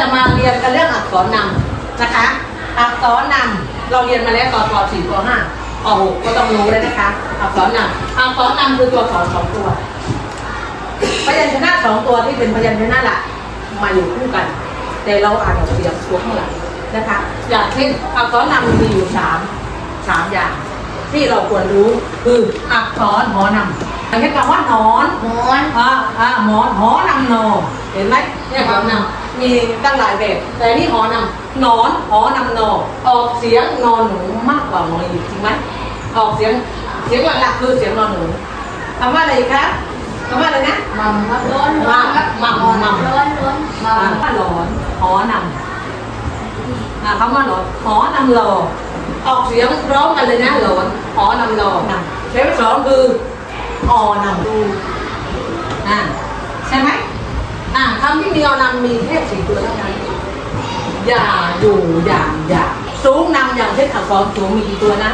มาเรียนกันเรื่องอักษรนำนะคะอักษรนำเราเรียนมาแล้วตอนป .4 ป .5 ป .6 ก็ต้องรู้แล้วนะคะอักษรนำอักษรนำคือตัวอักษร2 ตัวพยัญชนะ2 ตัวที่เป็นพยัญชนะหลักมาอยู่คู่กันแต่เราอ่านออกเสียงตัวข้างหลังนะคะอย่างเช่นอักษรนำมีอยู่3อย่างที่เราควรรู้คืออักษรหอนำอย่างเช่นคำว่าหนอนหมอนหมอนหอนำนอเห็นไหมเนี่ยหอนำมีตั้งหลายแบบแต่นี่หอนำหนอนหอนำนอออกเสียงนอนหนูมากกว่าหนออีกจริงไหมออกเสียงหลักๆคือเสียงนอนหนูคำว่าอะไรคะคำว่าอะไรนะมัมร้อนมัมร้อนว่าหลอนหอนำคำว่าหลอนหอนำรอออกเสียงพร้อมกันเลยนะหลอนหอนำรอเช้สองคืออนำดูใช่ไหมคำที่มีอนำมีแค่4 ตัวเท่านั้นอย่าอยู่อย่าสูงนำอย่างเช่นอักษรสูงมีกี่ตัวนะ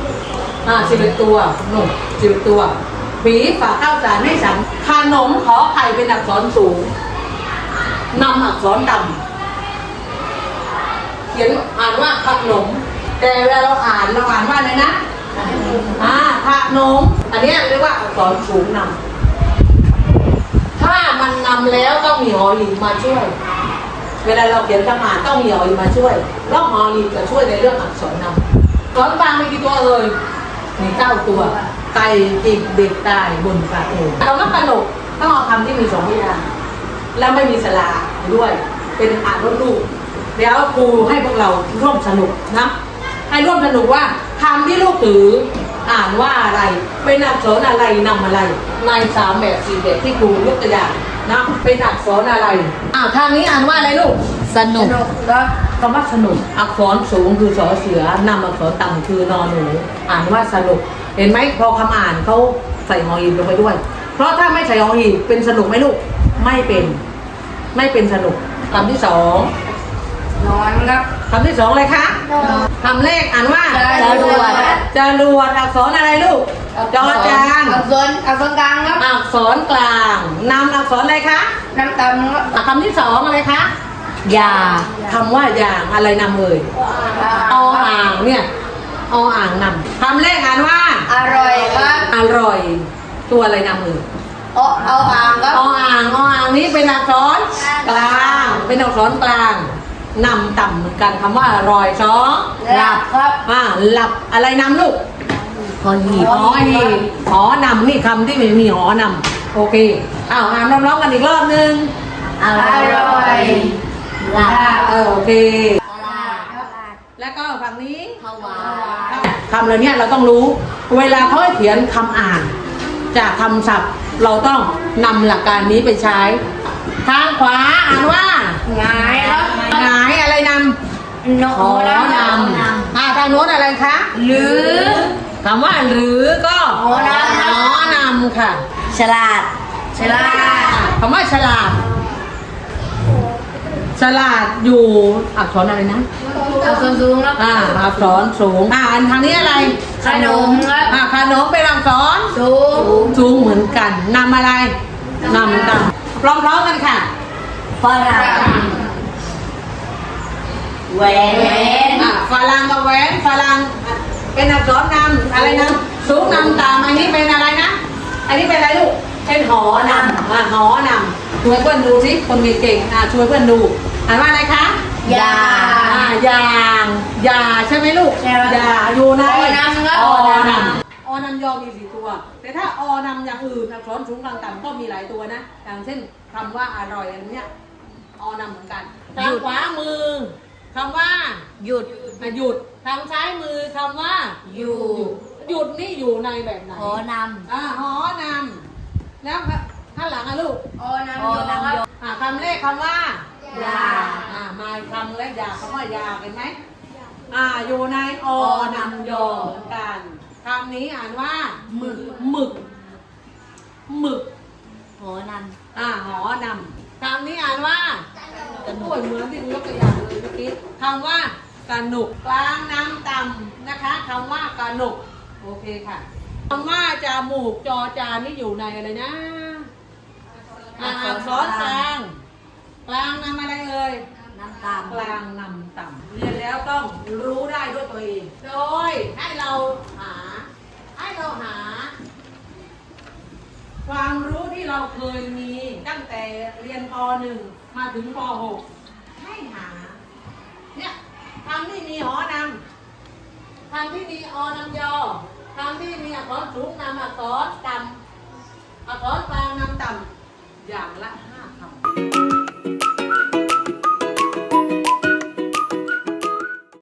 11 ตัวหนุ่ม11 ตัวผีฝากข้าวสารให้ฉันขนมขอไข่เป็นอักษรสูงนำอักษรต่ำเขียนอ่านว่าขนมแต่เวลาเราอ่านว่าอะไรนะขนมอันนี้เรียกว่าอักษรสูงนำถ้ามันนำแล้วต้องมีหอหีบมาช่วยเวลาเราเขียนคำอ่านต้องมีหอหีบมาช่วยเพราะหอหีบจะช่วยในเรื่องอักษรนำอักษรกลางมีกี่ตัวเลยมี9 ตัวไก่จิกเด็กตายบนกระโถเราต้องกระหนกต้องเอาคำที่มี2 พยางค์แล้วไม่มีสระด้วยเป็นอ่านรูปเดี๋ยวครูให้พวกเราร่วมสนุกนะให้ร่วมสนุกว่าคำที่ลูกถืออ่านว่าอะไรเป็นอักษรอะไรนำอะไรใน3 แบบ 4 แบบที่ครูยกตัวอย่างนะเป็นอักษรอะไรทางนี้อ่านว่าอะไรลูกสนุกแล้วคำว่าสนุกอักษรสูงคือสอเสือนำอักษรต่ำคือนอนหนูอ่านว่าสนุกเห็นไหมพอคำอ่านเขาใส่หอหีบลงไปด้วยเพราะถ้าไม่ใส่หอหีบเป็นสนุกไหมลูกไม่เป็นสนุกคำที่2นอนครับคำที่2อะไรคะคำแรกอ่านว่าจรวดอักษรอะไรลูกจอจานอักษรกลางครับอักษรกลางนำอักษรอะไรคะนำต่ำคำที่2อะไรคะยาคำว่ายางอะไรนำเลยอ่างเนี่ยอ่างนำคำแรกอ่านว่าอร่อยครับอร่อยตัวอะไรนำเลยอ่างครับอ่างนี้เป็นอักษรกลางเป็นอักษรกลางนำต่ำเหมือนกันคำว่าอร่อย2หลับครับหลับอะไรนำลูกหอหีบหอนำนี่คำที่มีหอนำโอเคอ่านร้องกันอีกรอบนึงอร่อยหลับโอเคแล้วก็ฝั่งนี้คำเหล่านี้เราต้องรู้เวลาเขาให้เขียนคำอ่านจากคำศัพท์เราต้องนำหลักการนี้ไปใช้ทางขวาอ่านว่าหงายครับหงายอะไรนำหอนำทางโน้นอะไรคะหรือคำว่าหรือก็หอนำค่ะฉลาดคำว่าฉลาดอยู่อักษรอะไรนะอักษรสูงครับอักษรสูงอันทางนี้อะไรขนมครับขนมเป็นอักษรสูงเหมือนกันนำอะไรนำพร้อมๆกันค่ะฝรั่งแหวนฝรั่งกับแหวนฝรั่งเป็นอักษรนำอะไรนะสูงนำตามอันนี้เป็นอะไรนะอันนี้เป็นอะไรลูกเป็นหอนำหอนำช่วยเพื่อนดูสิคนมีเก่งช่วยเพื่อนดูอ่านว่าอะไรคะยาใช่ไหมลูกยาอยู่ในอนำยอมี4 ตัวแต่ถ้าอนำอย่างอื่นอักษรสูงกลางต่ำก็มีหลายตัวนะอย่างเช่นคำว่าอร่อยอันนี้อนำเหมือนกันทางขวามือคำว่าหยุดทางซ้ายมือคำว่าหยุดนี่อยู่ในแบบไหนหอนำแล้วข้างหลังลูกอนำคำแรกคำว่ายามาคำแรกยาคำว่ายาเห็นไหมอยู่ในอนำยอเหมือนกันคำนี้อ่านว่าหมึกหอนำคำนี้อ่านว่าเหมือนที่ยกตัวอย่างเลยเมื่อกี้คำว่ากระหนุกกลางน้ำต่ำนะคะคำว่ากระหนุกโอเคค่ะคำว่าจมูกจอจานนี่อยู่ในอะไรนะอักษรกลางนำอะไรเอ่ยนำตามกลางนำต่ำเรียนแล้วต้องรู้ได้ด้วยตัวเอง โดยให้เราหาความรู้ที่เราเคยมีตั้งแต่เรียนป .1 มาถึงป .6 ให้หาเนี่ยคำที่มีหอนำคำที่มีอนำยอคำที่มีอักษรสูงนำอักษรต่ำอักษรกลางนำต่ำอย่างละ5 คำ